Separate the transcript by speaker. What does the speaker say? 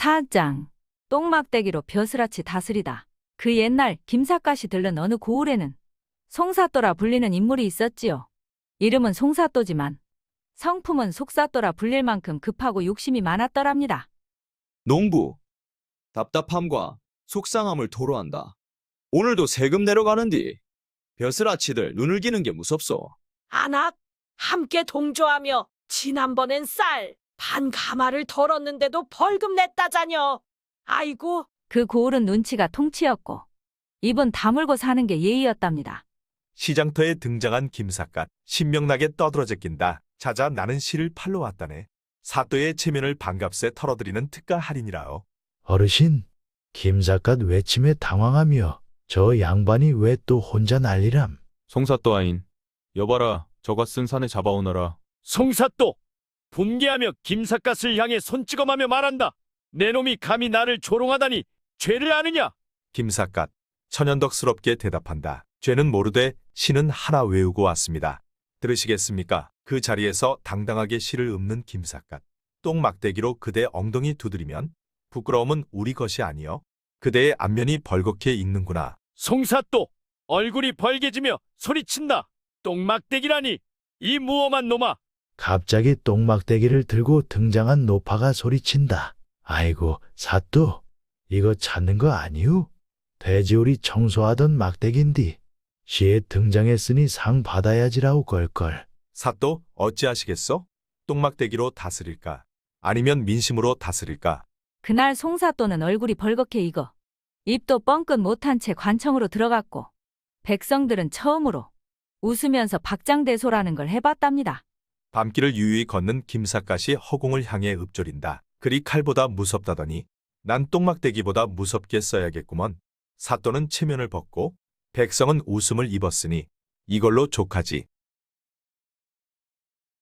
Speaker 1: 사장, 똥막대기로 벼슬아치 다스리다. 그 옛날 김삿갓이 들른 어느 고을에는 송사또라 불리는 인물이 있었지요. 이름은 송사또지만 성품은 속사또라 불릴 만큼 급하고 욕심이 많았더랍니다.
Speaker 2: 농부, 답답함과 속상함을 토로한다. 오늘도 세금 내려가는디 벼슬아치들 눈을 기는 게 무섭소.
Speaker 3: 안악, 함께 동조하며 지난번엔 쌀, 반 가마를 덜었는데도 벌금 냈다자녀. 아이고,
Speaker 1: 그 고을은 눈치가 통치였고 입은 다물고 사는 게 예의였답니다.
Speaker 4: 시장터에 등장한 김삿갓, 신명나게 떠들어제 낀다. 자자 나는 시를 팔러 왔다네. 사또의 체면을 반값에 털어드리는 특가 할인이라오.
Speaker 5: 어르신, 김삿갓 외침에 당황하며 저 양반이 왜 또 혼자 난리람?
Speaker 6: 송사또 아인, 여봐라, 저가 쓴 산에 잡아오너라.
Speaker 7: 송사또! 분개하며 김삿갓을 향해 손찌검하며 말한다. 내 놈이 감히 나를 조롱하다니 죄를 아느냐?
Speaker 4: 김삿갓, 천연덕스럽게 대답한다. 죄는 모르되 시는 하나 외우고 왔습니다. 들으시겠습니까? 그 자리에서 당당하게 시를 읊는 김삿갓. 똥막대기로 그대 엉덩이 두드리면 부끄러움은 우리 것이 아니여. 그대의 안면이 벌겋게 익는구나.
Speaker 7: 송사또! 얼굴이 벌개지며 소리친다. 똥막대기라니! 이 무엄한 놈아!
Speaker 5: 갑자기 똥막대기를 들고 등장한 노파가 소리친다. 아이고, 사또, 이거 찾는 거 아니우? 돼지우리 청소하던 막대기인디. 시에 등장했으니 상 받아야지라우 걸걸.
Speaker 4: 사또 어찌하시겠소? 똥막대기로 다스릴까? 아니면 민심으로 다스릴까?
Speaker 1: 그날 송사또는 얼굴이 벌겋게 익어 입도 뻥끗 못한 채 관청으로 들어갔고 백성들은 처음으로 웃으면서 박장대소라는 걸 해봤답니다.
Speaker 4: 밤길을 유유히 걷는 김삿갓이 허공을 향해 읊조린다. 글이 칼보다 무섭다더니 난 똥막대기보다 무섭게 써야겠구먼. 사또는 체면을 벗고 백성은 웃음을 입었으니 이걸로 족하지.